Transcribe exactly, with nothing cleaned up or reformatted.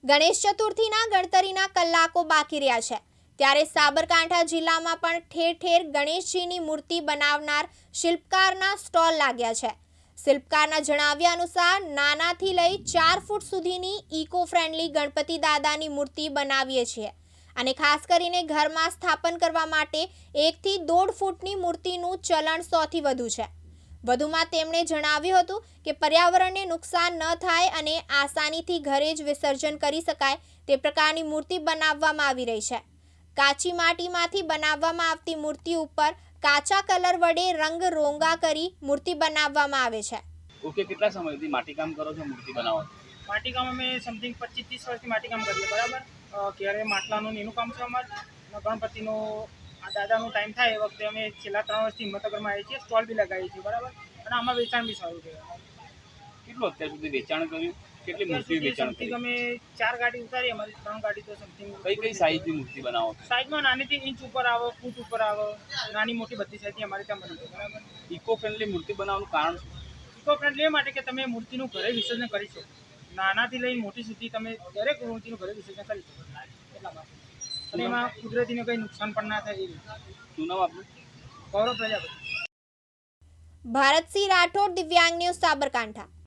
ગણેશ ચતુર્થીના ગણતરીના કલાકો બાકી રહ્યા છે ત્યારે સાબરકાંઠા જિલ્લામાં પણ ઠેર ઠેર ગણેશજીની મૂર્તિ બનાવનાર શિલ્પકારના સ્ટોલ લાગ્યા છે। શિલ્પકારના જણાવ્યા અનુસાર નાનાથી લઈ ચાર ફૂટ સુધીની ઇકો ફ્રેન્ડલી ગણપતિ દાદાની મૂર્તિ બનાવીએ છીએ અને ખાસ કરીને ઘરમાં સ્થાપન કરવા માટે એકથી દોઢ ફૂટની મૂર્તિનું ચલણ સૌથી વધુ છે। વધુમાં તેમણે જણાવ્યું હતું કે પર્યાવરણને નુકસાન ન થાય અને આસાનીથી ઘરે જ વિસર્જન કરી શકાય તે પ્રકારની મૂર્તિ બનાવવામાં આવી રહી છે। કાચી માટીમાંથી બનાવવામાં આવતી મૂર્તિ ઉપર કાચા કલર વડે રંગ રોંગા કરી મૂર્તિ બનાવવામાં આવે છે। ઓકે, કેટલા સમયથી માટીકામ કરો છો મૂર્તિ બનાવવા? માટીકામ અમે સમથિંગ પચીસ ત્રીસ વર્ષથી માટીકામ કરીએ બરાબર। ક્યારે માટલાનું એનું કામ છે અમારે ગણપતિનો આ દાદાનો ટાઈમ થાય એ વખતે અમે છેલ્લા ત્રણ વર્ષથી હિંમતનગરમાં આવીએ છીએ, સ્ટોલ બી લગાવીએ છીએ બરાબર। અને આમાં વેચાણ બી સારું છે। કેટલું અત્યાર સુધી વેચાણ કર્યું? કેટલી મૂર્તિ વેચાણ કરી? અમે ચાર ગાડી ઉતારી, અમારી ત્રણ ગાડી તો સમથિંગ। કઈ કઈ સાઈઝની મૂર્તિ બનાવો? સાઈઝમાં નાનીથી ઇંચ ઉપર આવો, ફૂટ ઉપર આવો, નાની મોટી બધી સાઈઝની અમારે ત્યાં બની છે બરાબર। ઇકો ફ્રેન્ડલી મૂર્તિ બનાવવાનું કારણ? ઇકો ફ્રેન્ડલી એ માટે કે તમે મૂર્તિનું ઘરે વિસર્જન કરી શકો, નાનાથી લઈને મોટી સુધી તમે દરેક મૂર્તિનું ઘરે વિસર્જન કરી શકો એટલા માટે। અને એમાં કુદરતીને કંઈ નુકસાન પણ ના થાય એ રીતે। શું નામ આપનું? ગૌરવ પ્રજાપતિ। ભારતસિંહ રાઠોડ, દિવ્યાંગ ન્યૂઝ, સાબરકાંઠા।